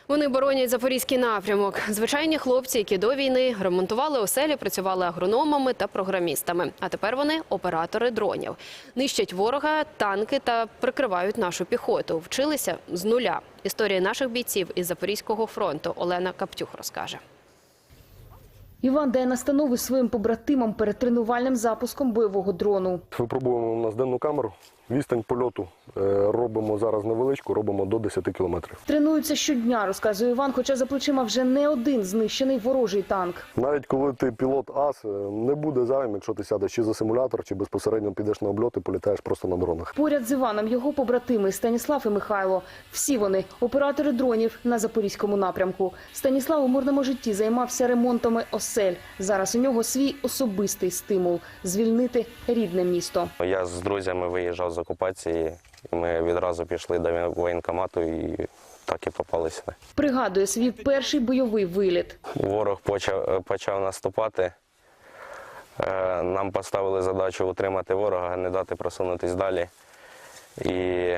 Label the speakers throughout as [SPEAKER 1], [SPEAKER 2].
[SPEAKER 1] Вони боронять запорізький напрямок. Звичайні хлопці, які до війни ремонтували оселі, працювали агрономами та програмістами. А тепер вони оператори дронів. Нищать ворога, танки та прикривають нашу піхоту. Вчилися з нуля. Історії наших бійців із Запорізького фронту Олена Каптюх розкаже.
[SPEAKER 2] Іван дає настанови своїм побратимам перед тренувальним запуском бойового дрону.
[SPEAKER 3] Випробуємо у нас денну камеру. Відстань польоту робимо зараз невеличку, робимо до 10 кілометрів.
[SPEAKER 2] Тренуються щодня, розказує Іван, хоча за плечима вже не один знищений ворожий танк.
[SPEAKER 3] Навіть коли ти пілот ас, не буде зайвим, якщо ти сядеш чи за симулятор, чи безпосередньо підеш на обльот і політаєш просто на дронах.
[SPEAKER 2] Поряд з Іваном його побратими Станіслав і Михайло. Всі вони – оператори дронів на Запорізькому напрямку. Станіслав у мирному житті займався ремонтами осель. Зараз у нього свій особистий стимул – звільнити рідне місто.
[SPEAKER 4] Я з друзями виїжджав з окупації, і ми відразу пішли до воєнкомату і так і попали сюди.
[SPEAKER 2] Пригадує свій перший бойовий виліт.
[SPEAKER 4] Ворог почав наступати. Нам поставили задачу утримати ворога, не дати просунутися далі. І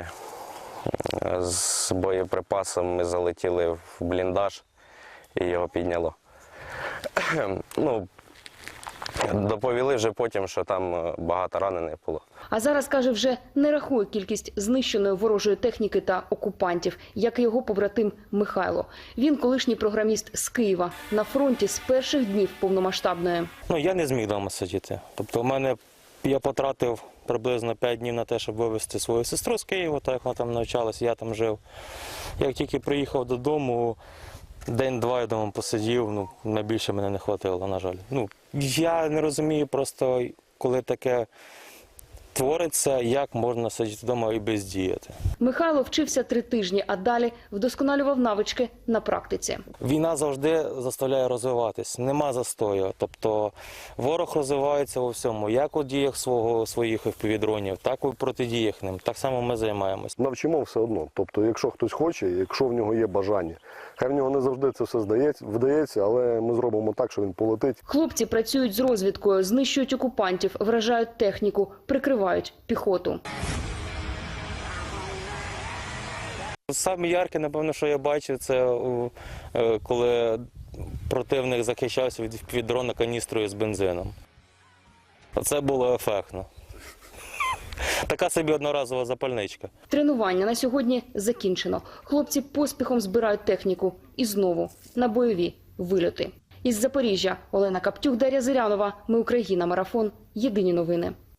[SPEAKER 4] з боєприпасом ми залетіли в бліндаж і його підняло. Доповіли вже потім, що там багато ранених було.
[SPEAKER 2] А зараз, каже, вже не рахує кількість знищеної ворожої техніки та окупантів, як і його побратим Михайло. Він колишній програміст з Києва, на фронті з перших днів повномасштабної.
[SPEAKER 5] Я не зміг вдома сидіти. Тобто я потратив приблизно 5 днів на те, щоб вивезти свою сестру з Києва, так як вона там навчалася, я там жив. Як тільки приїхав додому, день-два я вдома посидів, на більше мене не хватило, на жаль. Я не розумію просто, коли таке твориться, як можна сидіти вдома і бездіяти.
[SPEAKER 2] Михайло вчився 3 тижні, а далі вдосконалював навички на практиці.
[SPEAKER 5] Війна завжди заставляє розвиватись, нема застою. Тобто ворог розвивається у всьому, як у діях своїх FPV-дронів, так і в протидіях ним. Так само ми займаємось.
[SPEAKER 3] Навчимо все одно. Тобто, якщо хтось хоче, якщо в нього є бажання. Хай в нього не завжди це все вдається, але ми зробимо так, що він полетить.
[SPEAKER 2] Хлопці працюють з розвідкою, знищують окупантів, вражають техніку, прикривають піхоту.
[SPEAKER 5] Саме ярке, напевно, що я бачив, це коли противник захищався від дрона каністрою з бензином. Це було ефектно. Така собі одноразова запальничка.
[SPEAKER 2] Тренування на сьогодні закінчено. Хлопці поспіхом збирають техніку і знову на бойові вильоти. Із Запоріжжя Олена Каптюх, Дар'я Зирянова. Ми Україна. Марафон. Єдині новини.